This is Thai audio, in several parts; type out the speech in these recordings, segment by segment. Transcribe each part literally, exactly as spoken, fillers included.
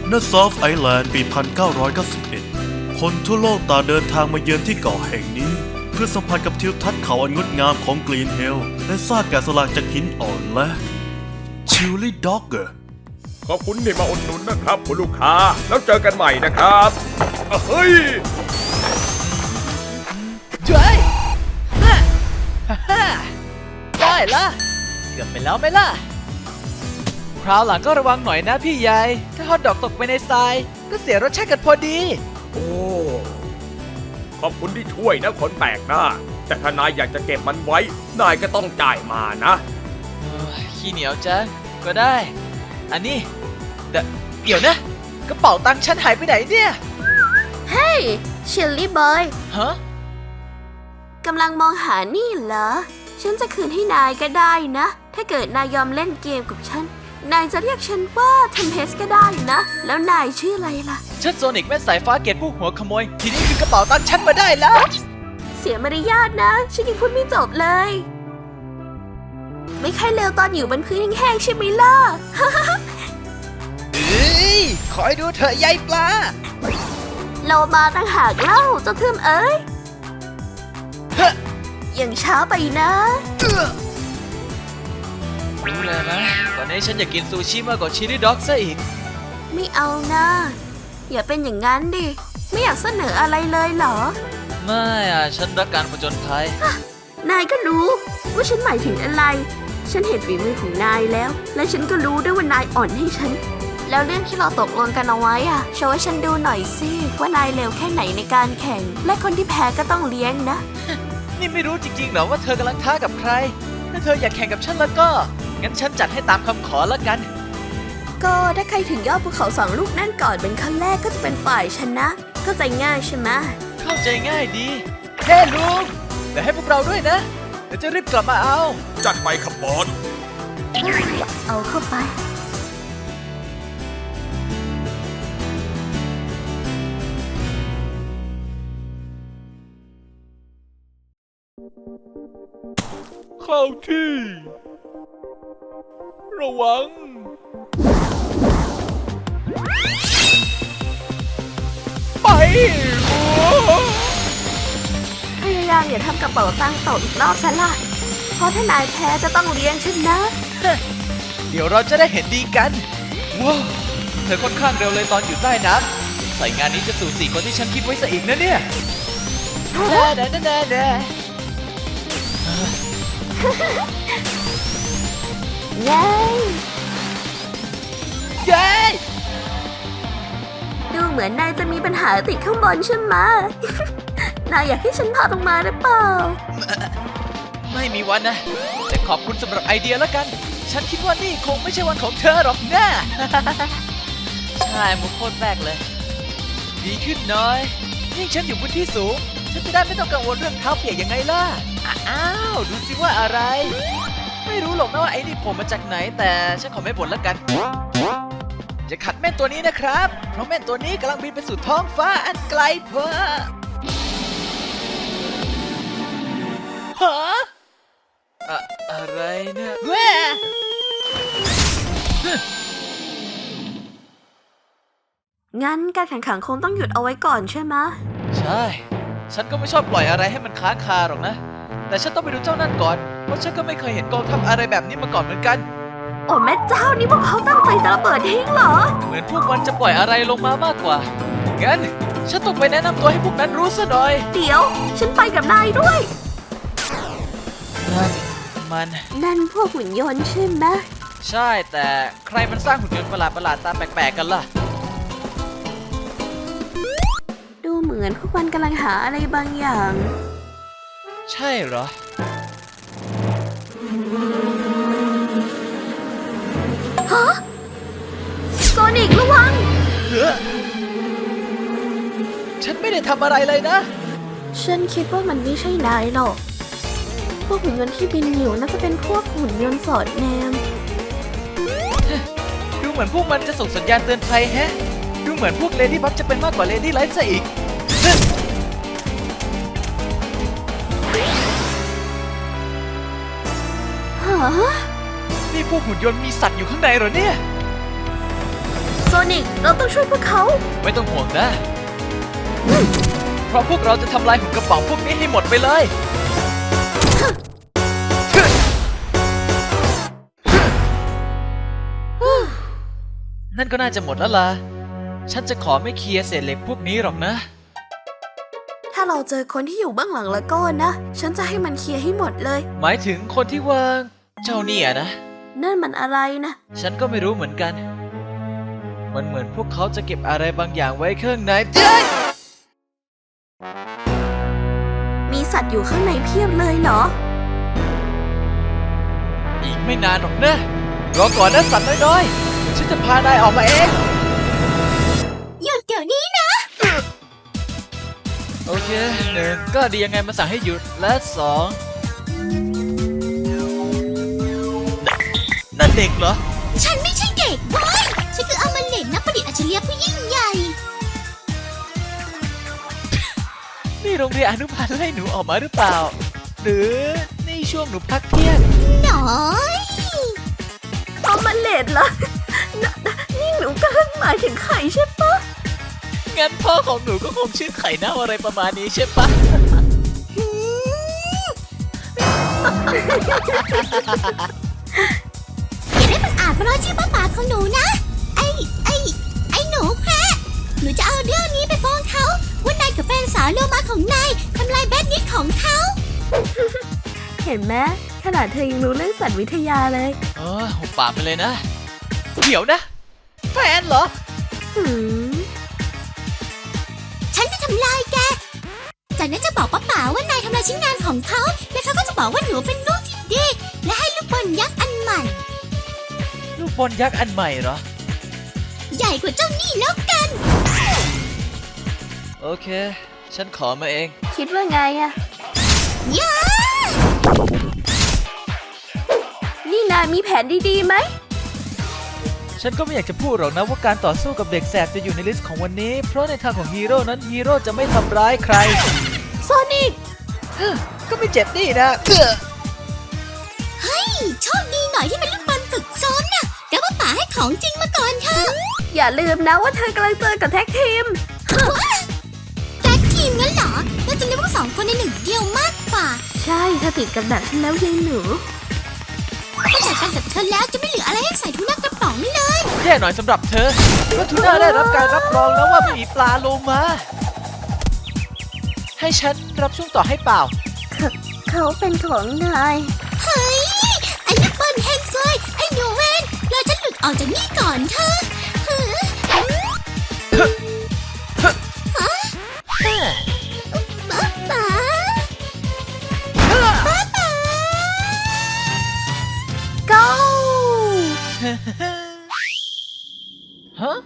ณซอฟไอแลนด์ปี หนึ่งพันเก้าร้อยเก้าสิบเอ็ด คนทั่วโลกต่างเดินทางมาเยือนที่เกาะแห่งนี้เพื่อสัมผัสกับทิวทัศน์เขาอันงดงามของกรีนเฮลและซากแกะสลักจากหินอ่อนและชิลลี่ด็อกเกอร์ขอบคุณที่มาอุดหนุนนะครับคุณลูกค้าแล้วเจอกันใหม่นะครับเฮ้ยช่วยฮ่าฮ่าได้ละเกือบไปแล้วไหมล่ะคราวหลังก็ระวังหน่อยนะพี่ใหญ่ถ้าฮอตดอกตกไปในทรายก็เสียรสชาติกันพอดีโอ้ขอบคุณที่ช่วยนะคนแปลกหน้าแต่ถ้านายอยากจะเก็บมันไว้นายก็ต้องจ่ายมานะขี้เหนียวจังก็ได้อันนี้เดเดี๋ยวนะกระเป๋าตังค์ฉันหายไปไหนเนี่ยเฮ้ยชิลลี่บอยฮะกำลังมองหานี่เหรอฉันจะคืนให้นายก็ได้นะถ้าเกิดนายยอมเล่นเกมกับฉันนายจะเรียกฉันว่าเทมเพสก็ได้นะแล้วนายชื่ออะไรล่ะฉันโซนิกแม่สายฟ้าเกตผู้หัวขโมยทีนี้คือกระเป๋าตังค์ฉันมาได้แล้วเสียมารยาทนะฉันยังพูดไม่จบเลยไม่ค่อยเร็วตอนอยู่บนพื้นแห้งๆใช่ไหมล่ะเฮ้ยคอยดูเถอะยายปลาเรามาตั้งหากเล่าเจ้าทึมเอ้ยยังช้าไปนะรู้เลยนะตอนนี้ฉันอยากกินซูชิมากกว่าชิลลี่ด็อกซะอีกไม่เอานะอย่าเป็นอย่างนั้นดิไม่อยากเสนออะไรเลยเหรอไม่อ่ะฉันรักการผจญภัยนายก็รู้ว่าฉันหมายถึงอะไรฉันเห็นฝีมือของนายแล้วและฉันก็รู้ด้วยว่านายอ่อนให้ฉันแล้วเรื่องที่เราตกลงกันเอาไว้อ่ะโชว์ให้ฉันดูหน่อยสิว่านายเร็วแค่ไหนในการแข่งและคนที่แพ้ก็ต้องเลี้ยงนะนี่ไม่รู้จริงๆเหรอว่าเธอกำลังท้ากับใครถ้าเธออยากแข่งกับฉันแล้วก็งั้นฉันจัดให้ตามคำขอแล้วกันก็ถ้าใครถึงยอดภูเขาสองลูกนั่นก่อนเป็นขั้นแรกก็จะเป็นฝ่ายชนะเข้าใจง่ายใช่ไหมเข้าใจง่ายดีเฮ้ลุงแต่ให้พวกเราด้วยนะเดี๋ยวจะรีบกลับมาเอาจัดไปครับบอลเอาเข้าไปเข้าที่ระวังไปพยายามอย่าทำกระเป๋าตังค์ตกอีกรอบซะล่ะเพราะถ้านายแพ้จะต้องเลี้ยงฉันนะเดี๋ยวเราจะได้เห็นดีกันว้าวเธอค่อนข้างเร็วเลยตอนอยู่ใต้น้ำใส่งานนี้จะสู่สี่คนที่ฉันคิดไว้ซะอีกนะเนี่ยเด้อเด้อเด้อเด้อเย้เย้ดูเหมือนนายจะมีปัญหาติดข้างบนใช่ไหม นายอยากให้ฉันพาลงมาหรือเปล่าไม่มีวันนะแต่ขอบคุณสำหรับไอเดียแล้วกันฉันคิดว่านี่คงไม่ใช่วันของเธอหรอกนะ ใช่มุกโคตรแปลกเลยดีขึ้นน้อยยิ่งฉันอยู่บนที่สูงฉันจะได้ไม่ต้องกังวลเรื่องเท้าเปียกยังไงล่ะอ้าวดูสิว่าอะไรไม่รู้หรอกนะว่าไอ้นี่ผมมาจากไหนแต่ฉันขอไม่บ่นแล้วกันจะขัดแม่นตัวนี้นะครับเพราะแม่นตัวนี้กำลังบินไปสู่ท้องฟ้าอันไกลเพ้อฮะอะอะไรเนี่ยแว่งั้นการแข่งขันคงต้องหยุดเอาไว้ก่อนใช่ไหมใช่ฉันก็ไม่ชอบปล่อยอะไรให้มันค้างคาหรอกนะแต่ฉันต้องไปดูเจ้านั่นก่อนเพราะฉันก็ไม่เคยเห็นกองทัพอะไรแบบนี้มาก่อนเหมือนกันโอ้แม่เจ้านี่พวกเขาตั้งใจจะระเบิดทิ้งเหรอเหมือนพวกมันจะปล่อยอะไรลงมามากกว่างั้นฉันต้องไปแนะนำตัวให้พวกนั้นรู้ซะหน่อยเดี๋ยวฉันไปกับนายด้วยนั่นมันนั่นพวกหุ่นยนต์ใช่ไหมใช่แต่ใครมันสร้างหุ่นยนต์ประหลาดประหลาดตาแปลกๆกันล่ะดูเหมือนพวกมันกำลังหาอะไรบางอย่างใช่เหรอฮะโซนิกระวังเฮ้อฉันไม่ได้ทำอะไรเลยนะฉันคิดว่ามันไม่ใช่นายหรอกพวกหุ่นยนต์ที่บินอยู่น่าจะเป็นพวกหุ่นยนต์สอดแนมดูเหมือนพวกมันจะส่งสัญญาณเตือนภัยแฮะดูเหมือนพวกเลดี้บัคจะเป็นมากกว่าเลดี้ไลท์ซะอีกฮะนี่พวกหุ่นยนต์มีสัตว์อยู่ข้างในเหรอเนี่ยโซนิกเราต้องช่วยพวกเขาไม่ต้องห่วงนะ เพราะพวกเราจะทำลายหุ่นกระป๋องพวกนี้ให้หมดไปเลย นั่นก็น่าจะหมดแล้วล่ะ ฉันจะขอไม่เคลียร์เศษเหล็กพวกนี้หรอกนะถ้าเราเจอคนที่อยู่เบื้องหลังแล้วก็นะ ฉันจะให้มันเคลียร์ให้หมดเลยหมายถึงคนที่วางเจ้าเนี่ยนะนั่นมันอะไรนะฉันก็ไม่รู้เหมือนกัน มันเหมือนพวกเขาจะเก็บอะไรบางอย่างไว้ข้างในเจ้ยมีสัตว์อยู่ข้างในเพียบเลยเหรออีกไม่นานหรอกนะ รอก่อนนะสัตว์น้อยๆเดี๋ยวฉันจะพานายออกมาเองหยุดเดี๋ยวนี้นะโอเคหนึ่งก็ดียังไงมาสั่งให้หยุด และสองนั่นเด็กเหรอฉันไม่ใช่เด็กเว้ยฉันคืออมฤตนักประดิษฐ์อัจฉริยะผู้ยิ่งใหญ่นี่โรงเรียนอนุบาลไล่หนูออกมาหรือเปล่า หรือนี่ช่วงหนูพักเที่ยงหน่อยเอามันเลดเหรอ นนนี่หนูกำลังหมายถึงไข่ใช่ปะงั้นพ่อของหนูก็คงชื่อไข่เน่าอะไรประมาณนี้ใช่ปะอย่าได้บังอาจมาล้อชื่อป้าป๋าของหนูนะ ไอ้ ไอ้ ไอ้หนูแพะหนูจะเอาเรื่องนี้ไปฟ้องเขาว่านายกับแฟนสาวโลมาของนายทำลายแบดนิดของเขาเห็นไหมขนาดเธอยังรู้เรื่องสัตว์วิทยาเลยเออหุบปากไปเลยนะ เดี๋ยวนะ แฟนเหรอหืมฉันจะทำลายแก จากนั้นจะบอกป้าป๋าว่านายทำลายชิ้นงานของเขา และเขาก็จะบอกว่าหนูเป็นลูกที่ดี และให้ลูกบอลยักษ์อันใหม่ลูกบอลยักษ์อันใหม่เหรอใหญ่กว่าเจ้านี่แล้วกันโอเค ฉันขอมาเองคิดว่าไงอะยานี่นายมีแผนดีๆไหมฉันก็ไม่อยากจะพูดหรอกนะว่าการต่อสู้กับเด็กแสบจะอยู่ในลิสต์ของวันนี้ เพราะในทางของฮีโร่นั้นฮีโร่จะไม่ทำร้ายใครโซนิกก็ไม่เจ็บนี่นะเอื้อเฮ้ย โชคดีหน่อยที่เป็นลูกบอลฝึกซ้อมน่ะเดี๋ยวป้าป๋าให้ของจริงมาก่อนเถอะอย่าลืมนะว่าเธอกำลังเจอกับแท็กทีมแท็กทีมงั้นเหรอเราจะเรียกว่าสองคนในหนึ่งเดียวมากกว่าใช่เธอติดกับดักฉันแล้วยังหนูถ้าจัดการกับเธอแล้วจะไม่เหลืออะไรให้ใส่ทุนักกระป๋องเลยแย่หน่อยสำหรับเธอเพราะทูน่าได้รับการรับรองแล้วว่าไม่มีปลาโลมา ให้ฉันรับช่วงต่อให้เปล่าเขาเป็นของนายเฮ้ย ไอ้ลูกบอลแฮงเซยไอ้หนูเวนรอฉันหลุดออกจากนี่ก่อนเถอะเฮ้ยป้าป๋าป้าป๋า go ฮะ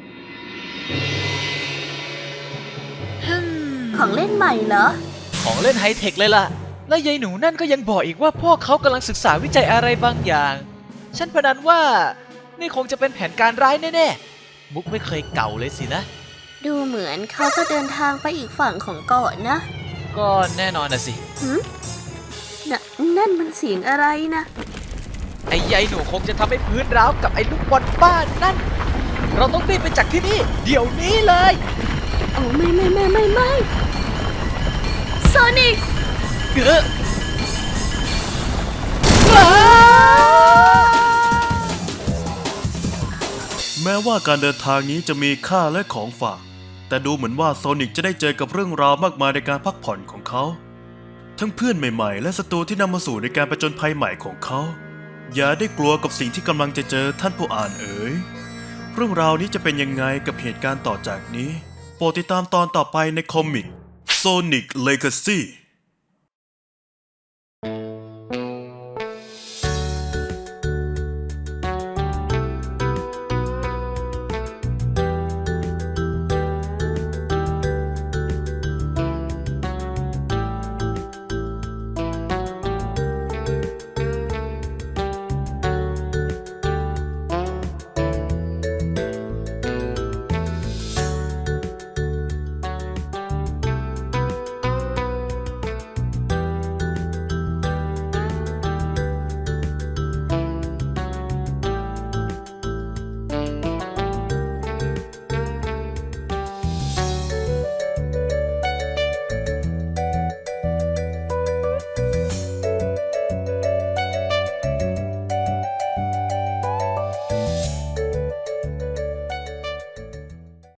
ของเล่นใหม่เหรอของเล่นไฮเทคเลยล่ะ และยายหนูนั่นก็ยังบอกอีกว่าพวกเขากำลังศึกษาวิจัยอะไรบางอย่าง ฉันพนันว่านี่คงจะเป็นแผนการร้ายแน่ๆ มุกไม่เคยเก่าเลยสินะดูเหมือนเขาจะเดินทางไปอีกฝั่งของเกาะนะก็แน่นอนนะสิหืมนนั่นมันเสียงอะไรนะไอ้ยายหนูคงจะทำให้พื้นร้าวกับไอ้ลูกบอลบ้านนั่น เราต้องรีบไปจากที่นี่ เดี๋ยวนี้เลยโอ้ไม่ไม่ไม่ไม่ไม่โซนิกเกือแม้ว่าการเดินทางนี้จะมีค่าและของฝาก แต่ดูเหมือนว่าโซนิกจะได้เจอกับเรื่องราวมากมายในการพักผ่อนของเขา ทั้งเพื่อนใหม่ๆ และศัตรูที่นำมาสู่ในการประจนภัยใหม่ของเขา อย่าได้กลัวกับสิ่งที่กำลังจะเจอท่านผู้อ่านเอ๋ย เรื่องราวนี้จะเป็นยังไงกับเหตุการณ์ต่อจากนี้ โปรดติดตามตอนต่อไปในคอมิก Sonic Legacy